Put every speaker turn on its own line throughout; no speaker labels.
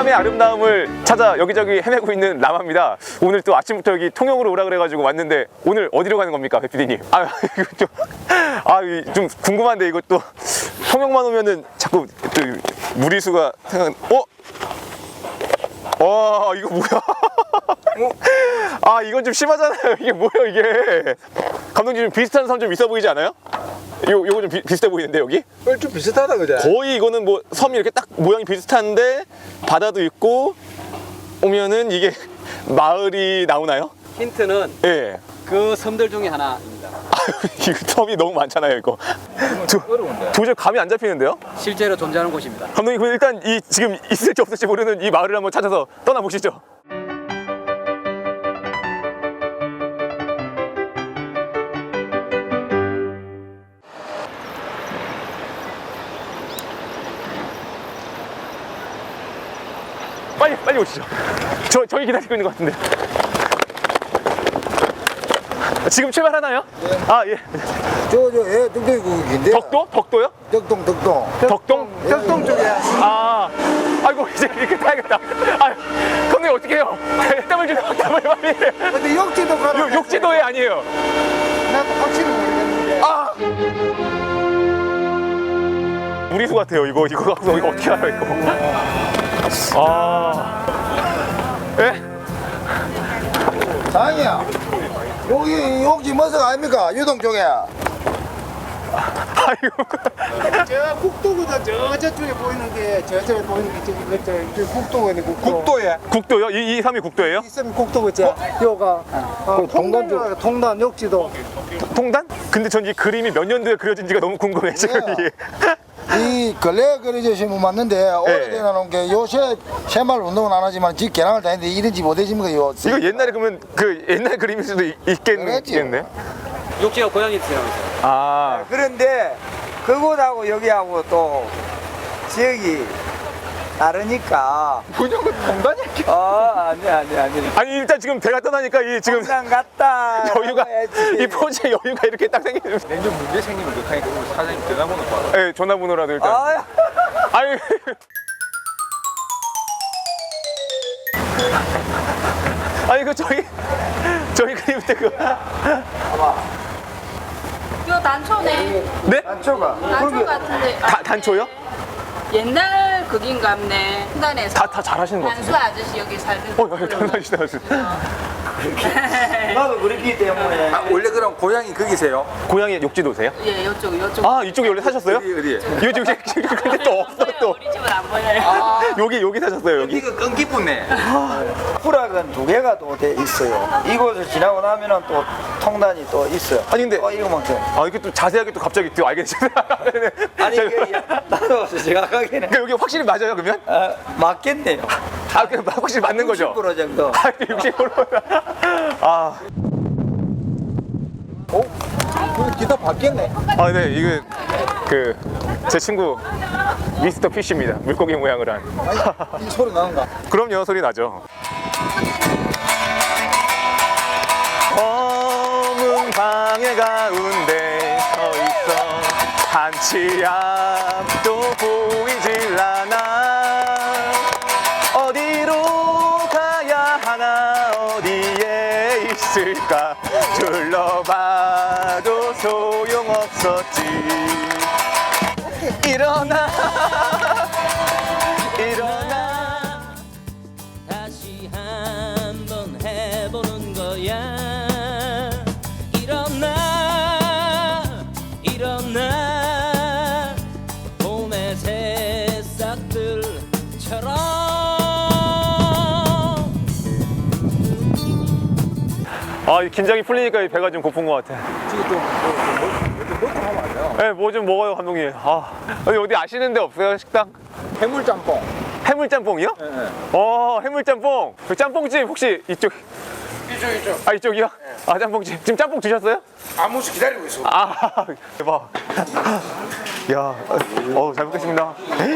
섬의 아름다움을 찾아 여기저기 헤매고 있는 라마입니다. 오늘 또 아침부터 여기 통영으로 오라 그래가지고 왔는데 오늘 어디로 가는 겁니까, 배 PD님? 이거 좀 궁금한데 이것도 통영만 오면은 자꾸 또 무리수가 생각. 와, 이거 뭐야? 이건 좀 심하잖아요. 이게 뭐야 이게? 감독님 좀 비슷한 섬 좀 있어 보이지 않아요? 요거 좀 비슷해 보이는데 여기?
좀 비슷하다 그죠?
거의 이거는 뭐 섬이 이렇게 딱 모양이 비슷한데 바다도 있고 오면은 이게 마을이 나오나요?
힌트는
예.
그 섬들 중에 하나입니다.
이 섬이 너무 많잖아요 이거. 도저히 감이 안 잡히는데요?
실제로 존재하는 곳입니다.
감독님 그럼 일단 이 지금 있을지 없을지 모르는 이 마을을 한번 찾아서 떠나보시죠. 빨리 오시죠. 저희 기다리고 있는 것 같은데. 지금 출발하나요?
네.
예.
덕동이 국인데.
덕도요?
덕동.
덕동 쪽에. 아이고 이제 이렇게 타야겠다. 감독님 어떻게 해요? 땀을 주세요. 땀을 빨리.
근데 욕지도 가라.
욕지도에 아니에요.
나도 확실히 모르겠는데.
무리수 같아요. 이거 갖고 이거 어떻게 알아요 이거? 예?
장이야. 여기 욕지 머석 아닙니까? 유동 쪽에.
아이고.
저 국도보다 저쪽에 보이는 게 저쪽에 보이는 게 저기 국도거든요. 국도에.
국도요? 이 섬이 국도예요?
있으면 국도겠지. 요가 통단 욕지도.
통단? 근데 전 이 그림이 몇 년도에 그려진지가 너무 궁금해 지금 이게.
이 근래 그려주신 분 맞는데 오래되어 놓은 게 요새 새마을 운동은 안 하지만 집 개랑을 다니는데 이런 집 어디 집니까 이거?
이거 옛날에 그러면 그 옛날 그림일 수도 있겠네.
욕지가 고양이 있어요.
그런데 그곳하고 여기하고 또 지역이 다르니까.
무조건 통단이야.
아니.
아니 일단 지금 배가 떠나니까 이 지금
항상 갔다.
여유가 이 포즈에 여유가 이렇게 딱 생기는.
내년 문제 생기면 어떡하니까 우리 사장님 전화번호 받아.
네, 전화번호라도 일단. 아유. 아니 그 저희 그림 때 그.
이거 단초네.
네?
단초가.
단초 같은데.
단초요?
옛날 극인갑네. 순단에서.
다 잘하시는 것
단수 아저씨 여기 살던.
장난이시다.
나도 그랬기 때문에.
원래 그럼 고향이 거기세요?
고향이 욕지도세요?
예, 요쪽.
이쪽에 원래 사셨어요?
어디에?
여기 근데 또 없어 또.
우리 집은 안 보여요.
여기 사셨어요 여기.
이거 끈기쁘네.
부락은 두 개가 또 돼 있어요. 이곳을 지나고 나면은 또 통단이 또 있어요.
아니 근데
이거만큼.
이렇게 또 자세하게 또 갑자기 또 알겠어요.
아니 나도 정확하게는.
여기 확실히 맞아요 그러면?
맞겠네요.
그냥 확실히 맞는 거죠?
10% 정도.
60%.
기타 바뀌었네.
네, 이게 제 친구 미스터 피쉬입니다. 물고기 모양을 한.
이 소리 나는가?
그럼요, 소리 나죠. 검은 방해 가운데 서 있어 한치 앞도 보이질 않아. 어디로 가야 하나 어디에 있을까 둘러봐도 소용없었지. 일어나
다시 한번 해보는 거야. 일어나 봄의 새싹들처럼.
긴장이 풀리니까 이 배가 좀 고픈 것 같아.
지금 좀 하면 안 돼요?
네, 뭐 좀 먹어요 감독님. 어디 아시는 데 없어요 식당?
해물짬뽕.
해물짬뽕이요?
네.
해물짬뽕. 그 짬뽕집 혹시 이쪽?
이쪽.
이쪽이요? 짬뽕집. 지금 짬뽕 드셨어요?
아무씩 기다리고 있어.
대박. 야, 잘 먹겠습니다.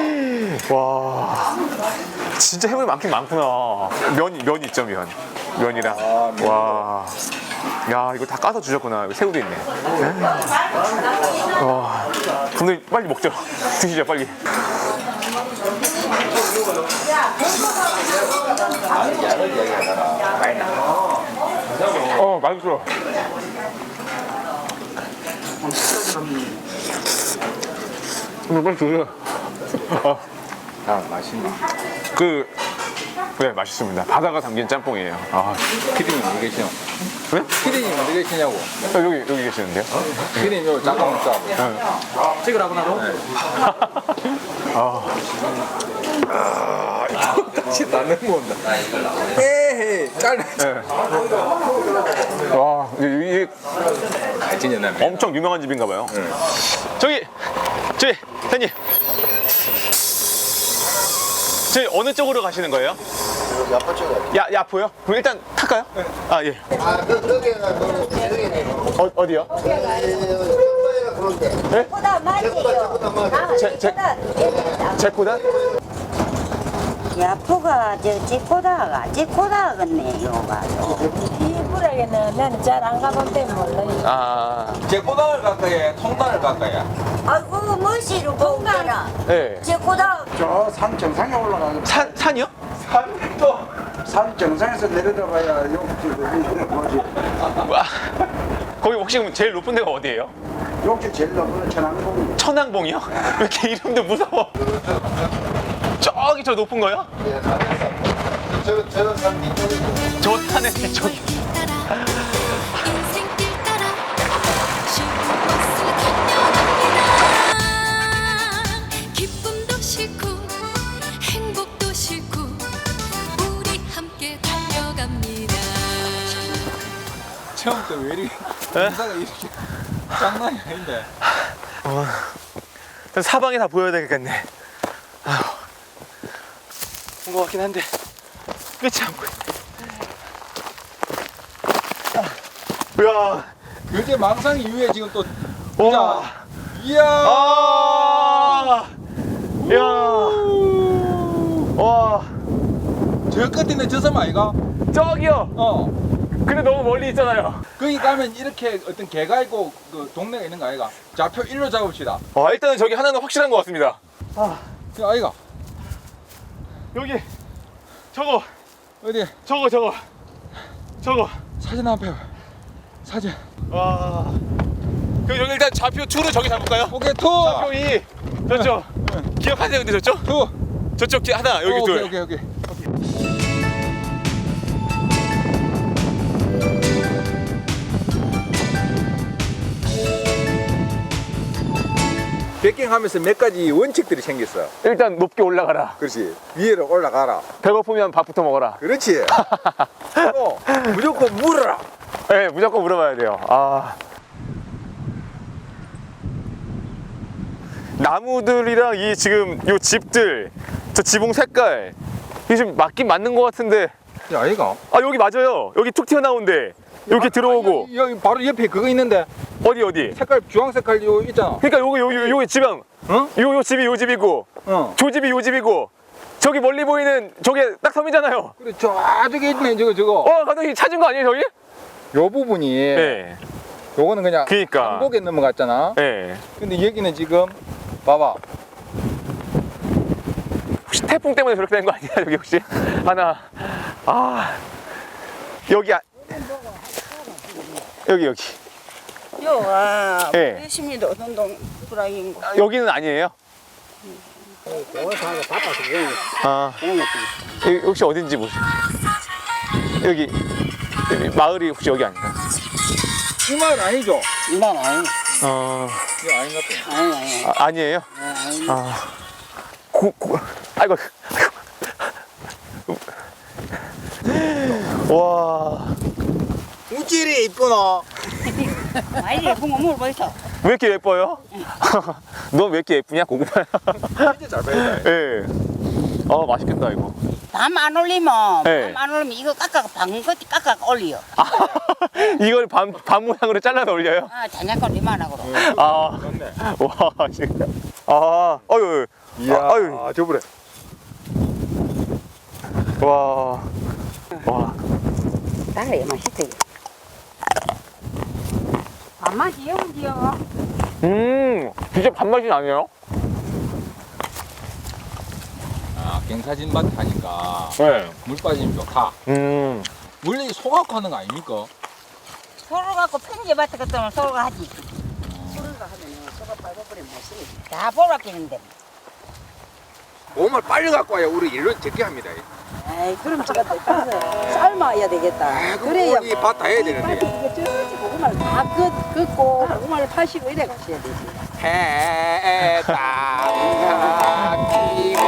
와, 진짜 해물이 많긴 많구나. 면 있죠, 면이랑. 와, 야, 이거 다 까서 주셨구나. 여기 새우도 있네. 와, 감독님 빨리 먹죠. 드시죠, 빨리. 맛있어. 빨리 주세요.
맛있나?
네, 맛있습니다. 바다가 담긴 짬뽕이에요.
피디님 어디 계시노?
네?
피디님 어디 계시냐고?
여기 계시는데요?
피디님 요 잠깐 먹자.
찍으라고 나도.
같이 나는 먹는다. 에헤이 잘라.
와, 이게
진짜
엄청 유명한 집인가 봐요. 저기 사장님. 저희 어느 쪽으로 가시는 거예요?
야파 쪽에.
야포요? 그럼 일단 탈까요? 아, 예.
거기가
어디요?
그런데.
보다 맞지요.
제코다?
야포가 저 제코다겠네 요가.
이불에게는 나는 잘 안 가본 때문에 몰라요.
제코당을 갈까요? 통당을 갈까요?
아이고 멋이로 공가나.
네.
제코다.
저 산 정상에 올라가서
산이요?
산 정상에서 내려다봐야 욕지 뭐지?
거기 혹시 그럼 제일 높은 데가 어디예요?
욕지 제일 높은 천왕봉.
천왕봉이요? 왜 이렇게 이름도 무서워? 저기 저 높은 거요?
저산 뒤쪽에.
저 산의 뒤쪽이.
인생길 따라 쉬운 버스를 달려갑니다. 기쁨도 싫고 행복도 싫고 우리 함께 달려갑니다.
처음부터 왜 이렇게 인사가 이렇게 장난이 아닌데.
사방이 다 보여야 되겠네. 온 것 같긴 한데 끝이 안 보여. 이야.
요새 망상 이후에 지금 또
와.
이야.
이야. 와.
저 끝에 있는 저 섬 아이가?
저기요. 근데 너무 멀리 있잖아요.
거기 가면 이렇게 어떤 개가 있고 그 동네가 있는 거 아이가? 좌표 1로 잡읍시다.
일단은 저기 하나는 확실한 것 같습니다.
저 아이가
여기 저거
어디
저거.
사진 앞에 사진.
와. 그럼 여기 일단 좌표 2로 저기 잡을까요?
오케이 투.
좌표 2 저쪽. 기억하세요 근데 저쪽?
투.
저쪽 하나 여기 둘.
오케이. 백킹하면서 몇 가지 원칙들이 생겼어.
일단 높게 올라가라.
그렇지. 위로 올라가라.
배고프면 밥부터 먹어라.
그렇지. 무조건 물어라.
네, 무조건 물어봐야 돼요. 나무들이랑 이 지금 요 집들, 저 지붕 색깔 이게 좀 맞긴 맞는 것 같은데.
야, 아이가.
여기 맞아요. 여기 툭 튀어나온데 이렇게 들어오고.
여기 바로 옆에 그거 있는데
어디?
색깔 주황 색깔 요 있잖아.
그러니까 요기 지방.
어?
요 집이 요 집이고, 저 집이 요 집이고, 저기 멀리 보이는 저게 딱 섬이잖아요.
그래 저쪽에 있네 저거.
감독님 찾은 거 아니에요 저기?
요 부분이.
네.
요거는 그냥
그러니까.
한복에 넘어갔잖아.
네.
근데 여기는 지금 봐봐.
혹시 태풍 때문에 저렇게 된 거 아니야 여기 혹시? 하나. 여기 여기.
요가
예.
20m 어떤 불황인 거.
여기는 아니에요? 여기 혹시 어딘지 모르세요? 여기 마을이 혹시 여기 아닌가?
이 말 아니죠?
난 아니.
이거 아닌 것 같아.
아니.
아니에요? 아이고. 와.
우찌리 이쁘노.
아니 예쁜 거 물어보이소.
왜 이렇게 예뻐요? 너 왜 이렇게 예쁘냐 고구마야?
진짜 잘 보인다.
예. 맛있겠다 이거.
밤 안 올리면
네.
밤 안 올리면 이거 방긋이 깎아 올려.
이걸 밤 모양으로 잘라서 올려요?
잔약간 이만하고로.
맞네. 와, 진짜. 어유.
이야, 저번에.
와.
달래 맛있대. 밥맛이 영지요.
진짜 밥맛이 나네요.
갱사진 밭 하니까
네.
물 빠지면 좋다. 원래 소각고 하는 거 아닙니까?
서로 갖고 편집밭에 갔다 서로가 하지. 서로가 하면은 서로 밟아버리면 맛있네. 다 보라끼는데.
몸을 빨리 갖고 와야 우리 일을 적게 합니다.
에이, 그럼 제가 삶아야 되겠다. 그래야
이 밭 다 해야 되는데.
이거 저기 고구마를 다 긋고 고구마를 파시고 이래 가셔야 되지.
해땅 끼고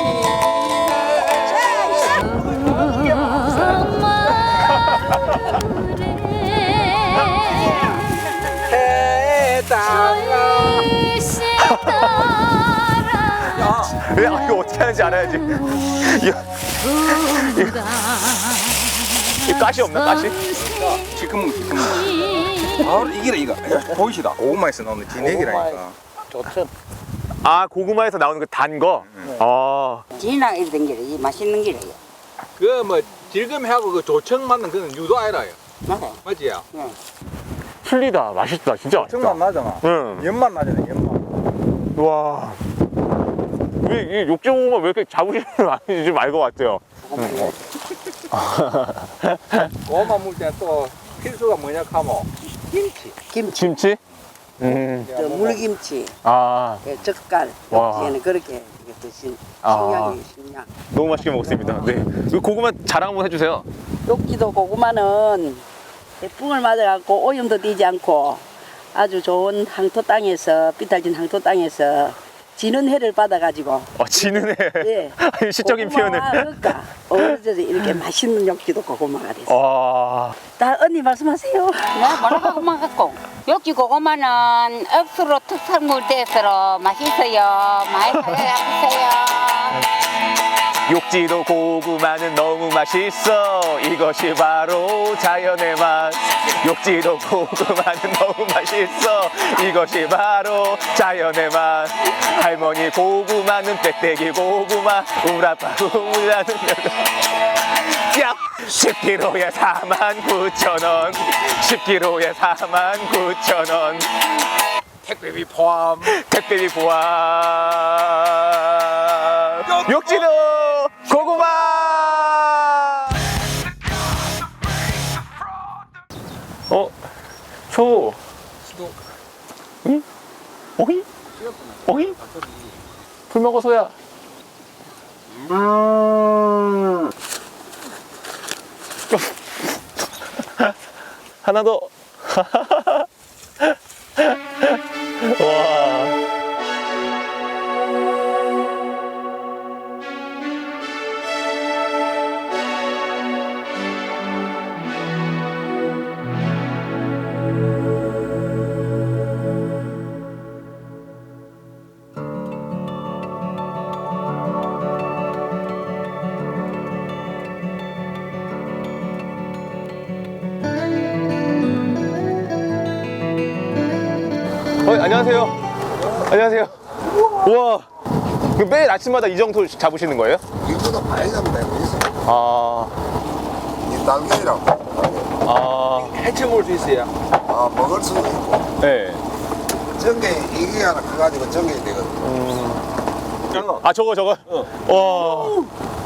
야, 이거 어떻게 하는지 알아야지. 이 가시 없나, 가시?
지금 바로 이기라 이거 보이시다. 고구마에서 나오는 진액이라니까.
아, 고구마에서 나오는 그 단 거? 아.
진이랑 이런 게 맛있는 게래요.
그 뭐 질금하고 그 조청 맞는 그는 유도 아니라요.
맞아요.
맞지요?
틀리다. 맛있다. 진짜 맛있다.
정맛 나잖아.
응.
연맛 나잖아. 연맛.
와. 이 욕조고구마 왜 이렇게 자부심을 많이 좀 알 것 같아요.
고구마 물 때 또 필수가 뭐냐 하면 김치.
김치?
저 물김치,
아,
젓갈,
와.
얘는 그렇게 드신
아.
식량이 식량.
너무 맛있게 먹었습니다. 네. 그 고구마 자랑 한번 해주세요.
욕지도 고구마는 태풍을 맞아갖고 오염도 띄지 않고 아주 좋은 항토 땅에서 비탈진 항토 땅에서 지는 해를 받아가지고
지는 해.
예.
시적인
고구마와
표현을.
그러니까 어려져서 이렇게 맛있는 욕지도 고구마가 됐어.
와.
다 언니 말씀하세요.
나 뭐라 고구마 갖고. 여기 고구마는 억수로 특산물 돼서 맛있어요. 많이 사랑해주세요.
욕지도 고구마는 너무 맛있어. 이것이 바로 자연의 맛. 욕지도 고구마는 너무 맛있어. 이것이 바로 자연의 맛. 할머니 고구마는 빽빽이 고구마. 우라빠 우라는 야! 10kg에 49,000원. 10kg에 49,000원.
택배비 포함.
택배비 포함. 욕지도 고구마. 초. 응? 어이? 어이? 불 먹어 소야. 하나 더. 와. 안녕하세요. 안녕하세요. 우와. 그럼 매일 아침마다 이 정도 잡으시는 거예요?
이거보다 많이 잡는다 이거 있어.
아.
이 날개라고.
아.
해쳐 먹을 수 있어요.
아 먹을 수도 있고.
네.
전개 이게 하나 커가지고 전개이 되거든.
아, 저거. 와.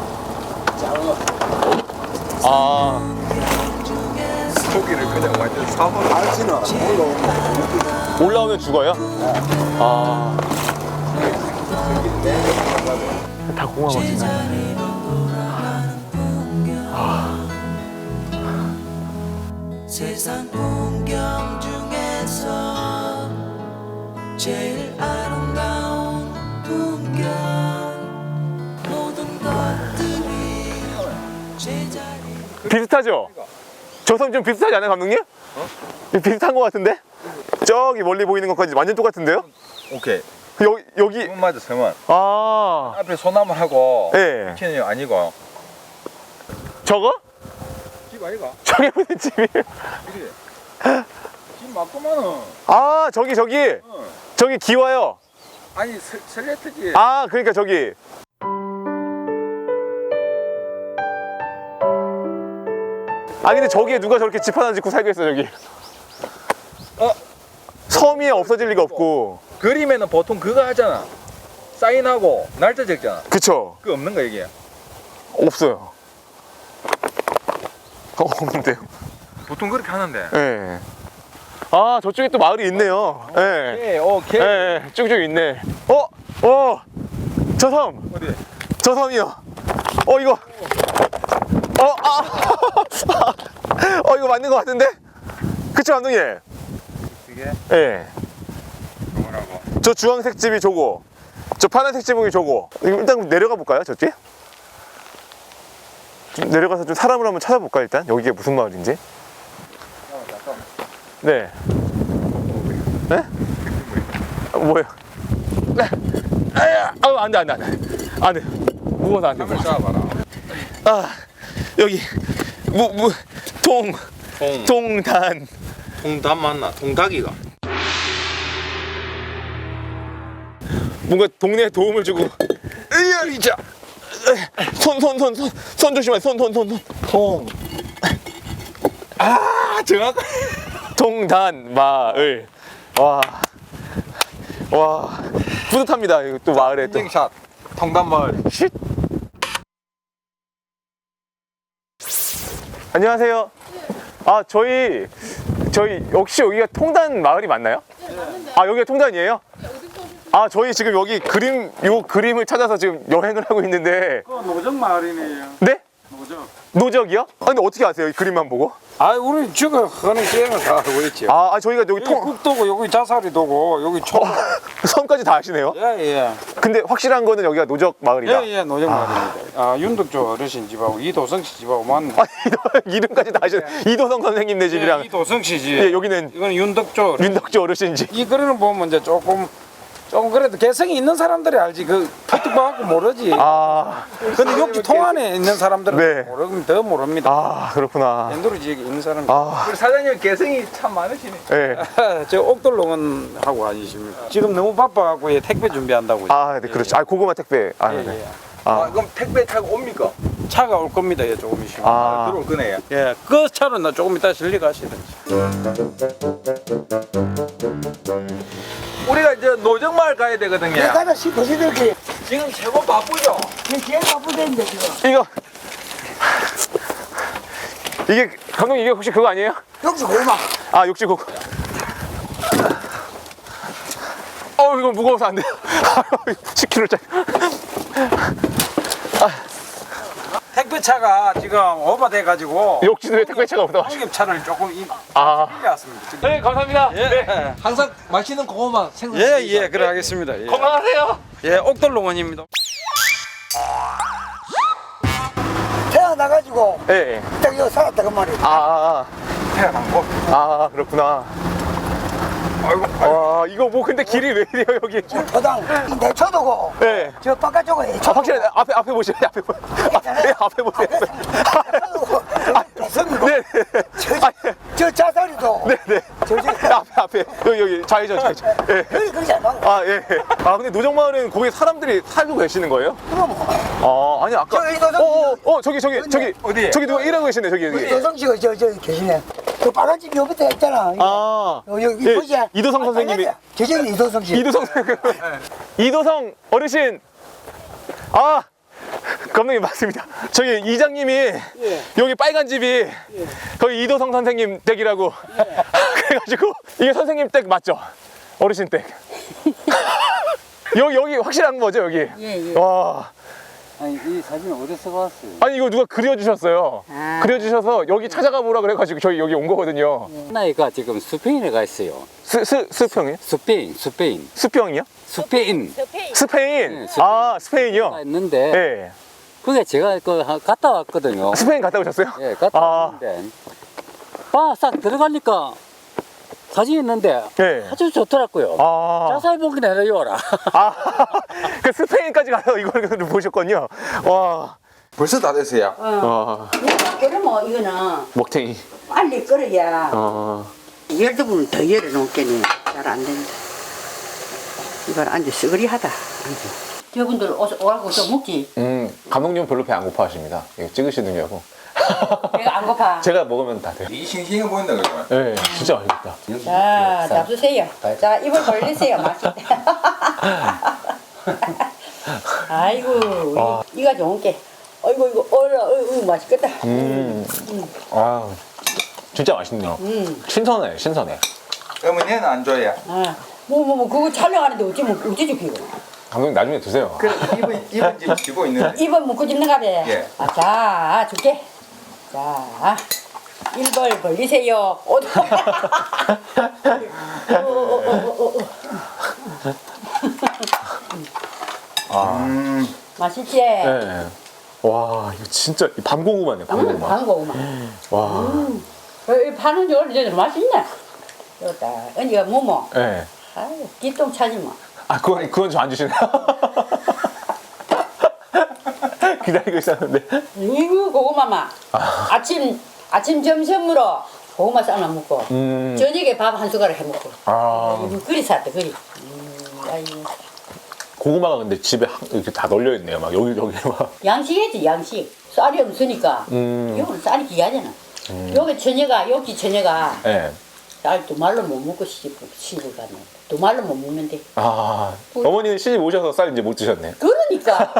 아.
고기를 그냥 완전 사먹어.
알지는
올라오면 죽어요? 아. 다 고구마 맛이네.
세상 풍경 중에서 제일 아름다운 풍경 모든 것들이 제자리
비슷하죠? 저 섬 좀 비슷하지 않아요, 감독님? 비슷한 것 같은데? 저기 멀리 보이는 것까지 완전 똑같은데요?
오케이.
여기.
세문 맞아 세문.
아.
앞에 소나무하고
예.
키는 아니고.
저거?
집 아이가?
저게 무슨 집이에요?
그래. 집 맞구만은.
아, 저기. 저기 기와요.
아니 슬레트지.
아, 그러니까 저기. 아, 근데 저기에 누가 저렇게 집 하나 짓고 살겠어, 저기. 섬이 없어질 리가 없고.
그림에는 보통 그거 하잖아. 사인하고 날짜 적잖아.
그쵸?
그거 없는 거 이게.
없어요. 없는데요.
보통 그렇게 하는데.
예. 아, 저쪽에 또 마을이 있네요. 예.
오케이.
예, 쭉쭉 있네. 저 섬.
어디?
저 섬이요. 이거. 이거 맞는 것 같은데? 그쵸, 감독님?
이게
예.
뭐라고?
저 주황색 집이 저거. 저 파란색 지붕이 저거. 이거 일단 내려가 볼까요, 저쪽? 좀 내려가서 좀 사람을 한번 찾아볼까, 일단? 여기가 무슨 마을인지? 네. 네? 뭐예요? 네. 안 돼. 안 돼. 무거워서 안 돼.
한번 잡아봐라.
여기. 동단.
동닭 맞나? 동닭이가.
뭔가 동네에 도움을 주고. 이자. 손 조심해. 손.
정확.
동단 마을. 와. 뿌듯합니다. 이거 또 마을에 또.
인증샷. 통단마을.
쉿. 안녕하세요. 저희 혹시 여기가 통단 마을이 맞나요? 여기가 통단이에요? 저희 지금 여기 그림을 찾아서 지금 여행을 하고 있는데.
노정 마을이네요.
네?
노정.
노적이요? 근데 어떻게 아세요? 이 그림만 보고?
우리 지금 하는 기행을 다 알고 있죠.
저희가 여기
여기 국도고 여기 자살이도고 여기 초.
섬까지 다 아시네요?
예.
근데 확실한 거는 여기가 노적 마을이다.
예, 노정 마을입니다. 윤덕조 어르신 집하고 이도성 씨 집하고 맞네.
이름까지 다 아시네. 이도성 선생님네 집이랑.
이도성 씨 집.
예, 여기는
이건 윤덕조.
윤덕조 어르신 집.
이 글을 보면 이제 조금 그래도 개성이 있는 사람들이 알지 그 푸트박하고 모르지. 근데 여기 통안에 있는 사람들은
네.
모르면 더 모릅니다.
그렇구나.
엔도리 지역에 있는 사람.
우리 사장님 개성이 참 많으시네.
네.
저 옥돌롱은 하고 아니십니까? 지금 너무 바빠갖고 택배 준비한다고.
네, 그렇죠. 고구마 택배. 네.
그럼 택배 타고 옵니까?
차가 올 겁니다. 예, 조금 있으면.
들어올 거네요.
예, 그 차는 나 조금 이따 실리 가시든지.
우리가 이제 노정마을 가야 되거든요.
가다 싶어서 이렇게
지금 최고 바쁘죠?
제일 바쁘던데 지금.
이게 감독님, 이게 혹시 그거 아니에요?
역시 고마.
욕지 고구. 이거 무거워서 안 돼요. 10kg짜리.
택배차가 지금 오버돼가지고
욕지도에 택배차가 없다.
공급차를 조금 왔습니다.
네, 감사합니다.
예,
항상 맛있는 고구마 생선.
예, 그래 하겠습니다. 예.
건강하세요.
예, 옥돌롱원입니다.
태어나가지고
네.
딱 여기 살았다 그 말이야.
태어난 곳.
그렇구나. 이거 뭐 근데 길이 왜 이래요 여기?
저당 내 초도고.
네.
저 바깥쪽에 초.
확실히 앞에 보시죠. 앞에 보세요.
개성이고.
네.
저 자살이도.
네. 앞에 여기 좌회전. 예.
여기 그러지 않아?
예. 근데 노정마을은 거기 사람들이 살고 계시는 거예요?
그럼
아니 아까.
저기 이도성
저기
어디?
저기 누가 일하고 계시네 저기.
이도성 씨가 저 계시네. 그 빨간 집 여기 밑에 있잖아. 여기
예,
보지?
이도성 선생님이.
저기 이도성 씨.
이도성 어르신. 감독님 맞습니다. 저기 이장님이 여기 빨간 집이 거기 이도성 선생님 댁이라고. 그래가지고 이게 선생님 댁 맞죠? 어르신 댁. 여기 확실한 거죠 여기?
예.
와.
이 사진 어디서 봤어요?
이거 누가 그려주셨어요. 그려주셔서 여기 찾아가 보라 그래가지고 저희 여기 온 거거든요.
나이가 지금 스페인에 가 있어요.
스평이요?
스페인.
수평이요?
스페인.
스페인.
네,
스페인이요?
가 있는데
네.
그게 제가 갔다 왔거든요.
스페인 갔다 오셨어요?
예, 갔다 왔는데 싹 들어가니까 사진 있는데
네.
아주 좋더라고요. 자세히 보긴 해요라.
그 스페인까지 가서 이걸 보셨군요. 와.
벌써 다 됐어요.
그러면 이거는
먹탱이.
빨리 끓어야
12분 더 열어놓겠네. 잘 안 된다. 이걸 앉아 쓰그리 하다. 저분들 오라고 좀 먹지?
감독님 별로 배 안 고파하십니다. 이거 찍으시느냐고.
배가 안 고파.
제가 먹으면 다 돼요.
이 싱싱해 보인다 그러면.
네, 진짜 맛있겠다.
자, 잡수세요. 자, 입을 벌리세요. 맛있다.
아이고 이가 좋은 게. 아이고 이거 어이구 맛있겠다.
아, 진짜 맛있네요. 신선해, 신선해.
어머니는 안 좋아해.
뭐 그거 촬영하는데 어찌 죽이고.
감독님 나중에 드세요.
그 입은 지금 쥐고 있는데.
입은 묶고 짚는 가래.
예.
자 줄게. 자 1벌 벌리세요. 맛있지?
네. 와, 이거 진짜 밤고구마네, 밤고구마.
방고구마.
와.
이 파는 지 오래전에 맛있네. 여기다 언니가 뭐뭐.
네.
아유 기똥 차지 뭐.
아, 그건 저 안 주시네요. 기다리고 있었는데.
이거 고구마만. 아침 점심으로 고구마 삶아 먹고 저녁에 밥 한 숟가락 해 먹고. 이거 그리 샀다 그리. 아이고.
고구마가 근데 집에 이렇게 다 널려 있네요. 막 여기 막.
양식이지 양식. 쌀이 없으니까. 이거는 쌀이 귀하잖아. 여기 처녀가
네.
쌀 두 말로 못 먹고 시집을 갔네. 두 말로 못 먹는데.
아, 어머니는 시집 오셔서 쌀 이제 못 드셨네.
그러니까.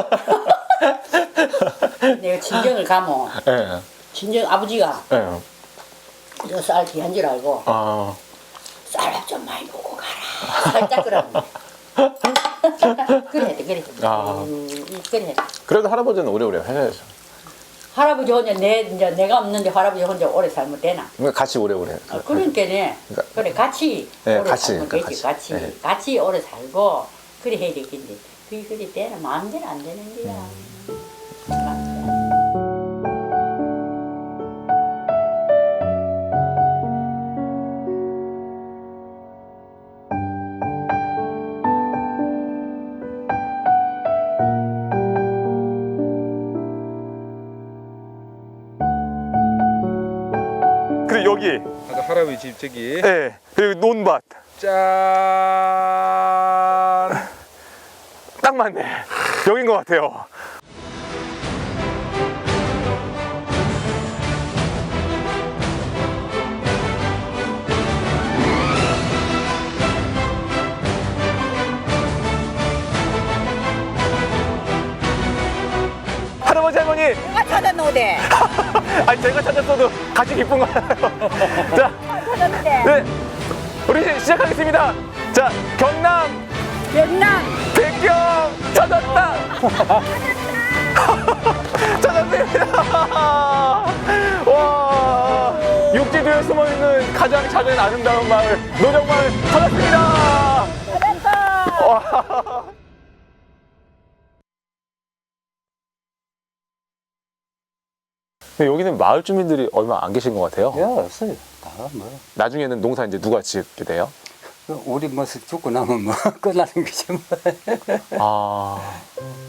내가 친정을 가면
네.
친정 아버지가
네.
저 쌀 귀한 줄 알고
아.
쌀밥 좀 많이 먹고 가라. 살짝 그러네. 그래 그래. 그래.
그래도 할아버지는 오래오래 하셔야죠.
할아버지 혼자 내가 없는데 할아버지 혼자 오래 살면 되나?
그러니까 같이 오래오래.
그러니까네. 그래 같이
네,
오래
같이,
살면
그러니까
되지.
같이.
같이
네.
같이 오래 살고 그래 해야 되겠는데 그게 되나 마음대로 안 되는 거야.
그리고 여기.
아까 할아버지 집 저기.
네. 그리고 논밭.
짠.
딱 맞네. 여긴 것 같아요. 할아버지 할머니.
내가 찾아놓으래.
아니 제가 찾았어도 같이 기쁜 거예요. 자,
찾았는데.
네, 우리 시작하겠습니다. 자, 경남 백경 찾았다. 찾았습니다. 와, 육지도에 숨어 있는 가장 작은 아름다운 마을 노정마을 찾았습니다. 와. 근데 여기는 마을 주민들이 얼마 안 계신 것 같아요.
없어요. 다 뭐.
나중에는 농사 이제 누가 짓게 돼요?
우리 뭐 죽고 나면 뭐 끝나는 거지 뭐.
아.